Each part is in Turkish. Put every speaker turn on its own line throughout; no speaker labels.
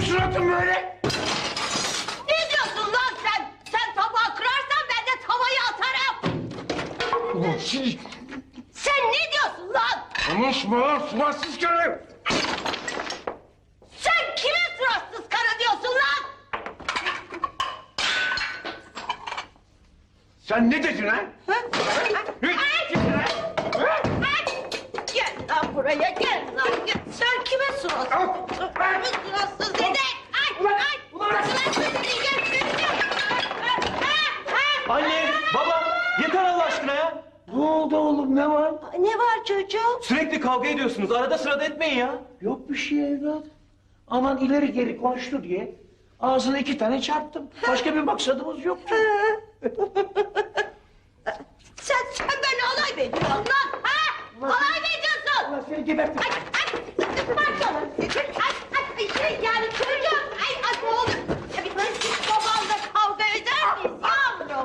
suratın böyle?
Ne diyorsun lan sen? Sen tabağı kırarsan ben de tavayı atarım. Sen ne diyorsun lan?
Konuşma lan suratsız karı!
Sen kime suratsız karı diyorsun lan?
Sen ne dedin ha?
Gel lan buraya gel lan gel. Sen kime suratsız? Kime suratsız dedi? Suratsız dedi.
Anne, baba, yeter Allah aşkına ya.
Ne oldu oğlum ne var?
Ne var çocuğum?
Sürekli kavga ediyorsunuz. Arada sırada etmeyin ya.
Yok bir şey evlat. Aman ileri geri konuştu diye ağzına 2 tane çarptım. Başka bir maksadımız yoktu.
Sen böyle alay mı ediyorsun lan? Ha? Alay mı ediyorsun?
Allah seni gebertin.
Yani çocuğum, ay ne olur. Biz babanla kavga eder miyiz yavrum?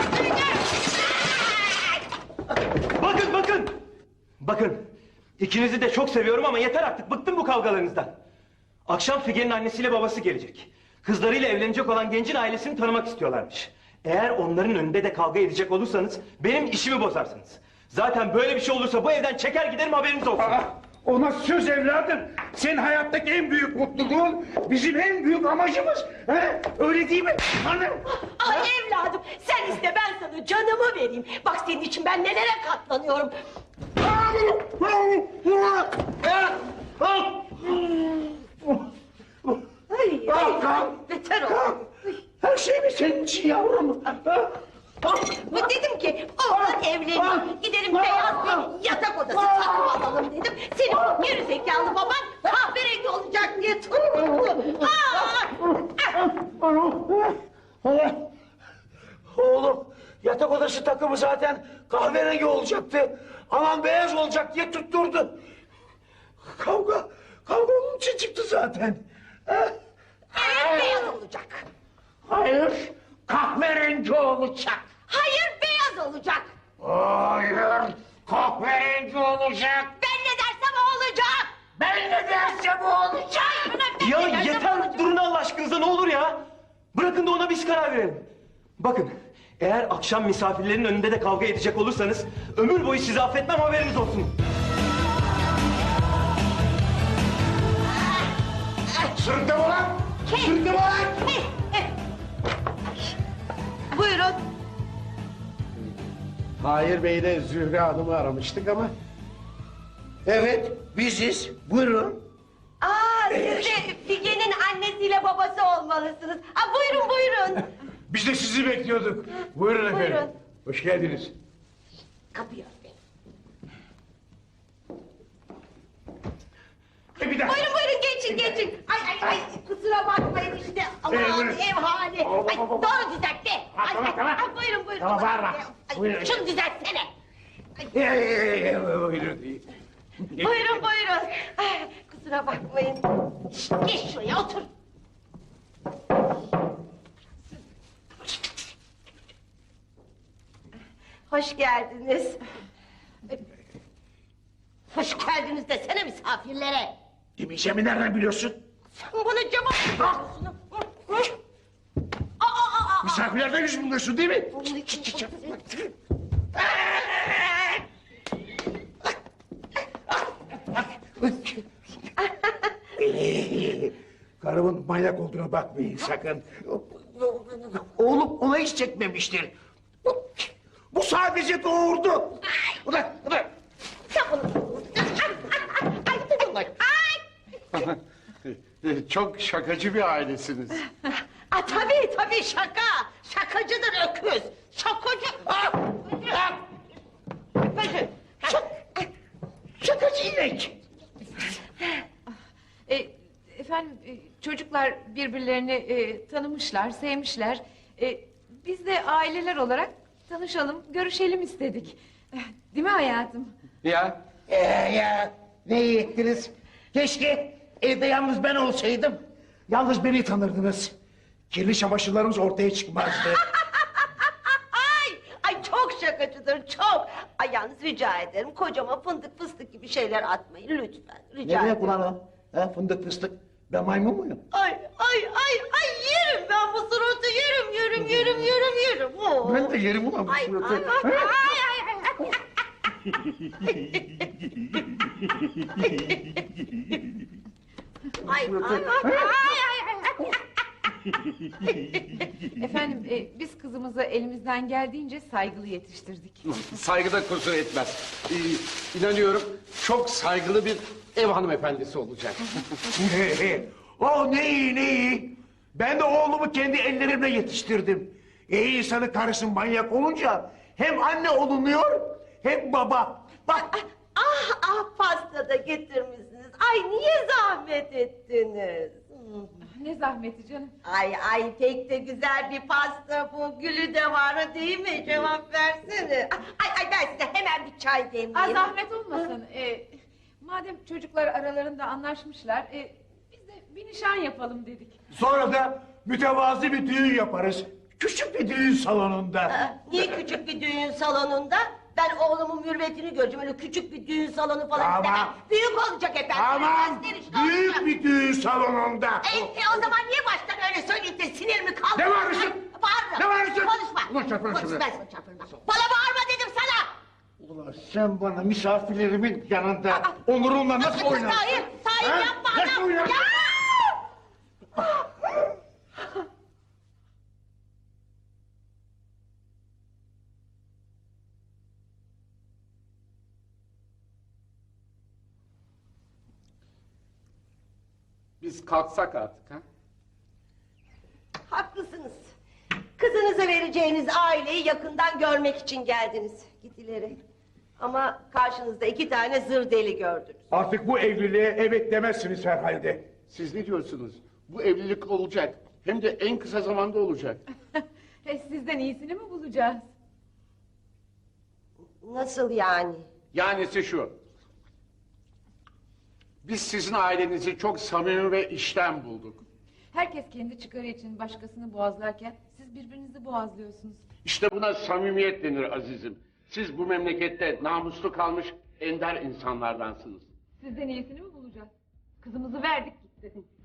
Bakın. Bakın, ikinizi de çok seviyorum ama yeter artık. Bıktım bu kavgalarınızdan. Akşam Figen'in annesiyle babası gelecek. Kızlarıyla evlenecek olan gencin ailesini tanımak istiyorlarmış. Eğer onların önünde de kavga edecek olursanız benim işimi bozarsınız. Zaten böyle bir şey olursa bu evden çeker giderim, haberiniz olsun.
Ona söz evladım. Senin hayattaki en büyük mutluluğun bizim en büyük amacımız. He? Öyle değil mi? Hanım.
Ay evladım, sen iste ben sana canımı vereyim. Bak senin için ben nelere katlanıyorum. Ay, beter ol.
Her şey mi senin için yavrum?
Dedim ki oğlan evlenir, gidelim beyaz bir yatak odası takım alalım dedim. Senin geri zekalı baban kahverengi olacak diye tutturdu.
Oğlum yatak odası takımı zaten kahverengi olacaktı. Aman beyaz olacak diye tutturdu. Kavga onun için çıktı zaten.
Evet beyaz olacak.
Hayır, kahverengi olacak.
Hayır beyaz olacak.
Hayır, kahverengi olacak.
Ben ne dersem o olacak.
Ben ne dersem o olacak.
Ya yeter, durun Allah aşkınıza, ne olur ya. Bırakın da ona biz karar verelim. Bakın, eğer akşam misafirlerin önünde de kavga edecek olursanız ömür boyu sizi affetmem, haberiniz olsun.
Sırtım ulan! Sırtım ulan!
Buyurun.
Hayır Bey'le Zühre Hanım'ı aramıştık ama... Evet, biziz. Buyurun.
Siz de Figen'in annesiyle babası olmalısınız. Buyurun.
Biz de sizi bekliyorduk. Buyurun efendim.
Buyurun.
Hoş geldiniz.
Kapıyı örtmeyin.
Bir dakika.
Buyurun geçin. Ay kusura bakmayın işte. Aman
buyurun.
ev hali. Ay doğru düzeltti.
Tamam.
Buyurun.
Tamam, bağırma. Buyurun.
Şunu düzeltsene.
Buyurun.
Buyurun. Ay, kusura bakmayın. Geç şuraya otur. Hoş geldiniz. Hoş geldiniz desene misafirlere.
Demeyeceğimi nereden biliyorsun?
Sen bana cevap veriyorsun.
Misafirlerden yüz buluyorsun değil mi? Karımın manyak olduğuna bakmayın sakın. Oğlum ona hiç çekmemiştir. Bu sadece doğurdu. Ulan.
Sen bunu...
Çok şakacı bir ailesiniz.
Tabii şaka. Şakacıdır öküz. Şakacı.
Şakacı inek.
Efendim çocuklar birbirlerini tanımışlar, sevmişler. Biz de aileler olarak tanışalım, görüşelim istedik. Değil mi hayatım?
Ya
Ya ne iyi ettiniz. Keşke evde yalnız ben olsaydım. Yalnız beni tanırdınız. Kirli çamaşırlarımız ortaya çıkmazdı.
Ay çok şakacıdır çok. Ay yalnız rica ederim kocama fındık fıstık gibi şeyler atmayın lütfen. Rica
Ne demek
ederim.
ulan o? Ha, fındık fıstık. Ben maymun muyum?
Ay Ay yerim ben bu suratı yerim. Oo.
Ben de yerim ulan bu
Ay,
suratı.
ay, ay.
Efendim biz kızımızı elimizden geldiğince saygılı yetiştirdik.
Saygıda kusur etmez. İnanıyorum çok saygılı bir ev hanımefendisi olacak.
Oh ne iyi. Ben de oğlumu kendi ellerimle yetiştirdim. İyi insanın karısı manyak olunca hem anne olunuyor hem baba. Bak
Pasta da getirmişsiniz. Ay niye zahmet ettiniz?
Ne zahmeti canım.
Ay pek de güzel bir pasta bu. Gülü de var değil mi? Cevap versene. Ay ben size hemen bir çay demleyeyim.
Zahmet olmasın. Madem çocuklar aralarında anlaşmışlar, biz de bir nişan yapalım dedik.
sonra da mütevazi bir düğün yaparız. Küçük bir düğün salonunda.
Niye küçük bir düğün salonunda? Ben oğlumun mürvetini göreceğim. Öyle küçük bir düğün salonu falan
Tamam.
istemem. Büyük olacak efendim.
Tamam,
Gösterişli
büyük
olacak.
bir düğün salonunda.
O zaman niye baştan öyle söyleyip de sinirimi kaldırdın?
Ne bağırıyorsun?
Bağırma.
Ne bağırıyorsun?
Konuşma.
Ulan çarparım
Konuşma,
şimdi.
ben sana çarparım. Bana bağırma dedim sana.
Ulan sen bana misafirlerimin yanında onurumla nasıl oynarsın?
Tahir
Ha?
yapma
Nasıl
adam.
oynarsın?
Ya!
Biz kalksak artık ha?
Haklısınız. Kızınıza vereceğiniz aileyi yakından görmek için geldiniz. Git ileri. Ama karşınızda 2 tane zır deli gördünüz.
Artık bu evliliğe evet demezsiniz herhalde.
Siz ne diyorsunuz? Bu evlilik olacak. Hem de en kısa zamanda olacak.
Sizden iyisini mi bulacağız?
Nasıl yani?
Yanisi şu. Biz sizin ailenizi çok samimi ve içten bulduk.
Herkes kendi çıkarı için başkasını boğazlarken siz birbirinizi boğazlıyorsunuz.
İşte buna samimiyet denir azizim. Siz bu memlekette namuslu kalmış ender insanlardansınız.
Sizden iyisini mi bulacağız? Kızımızı verdik gitti.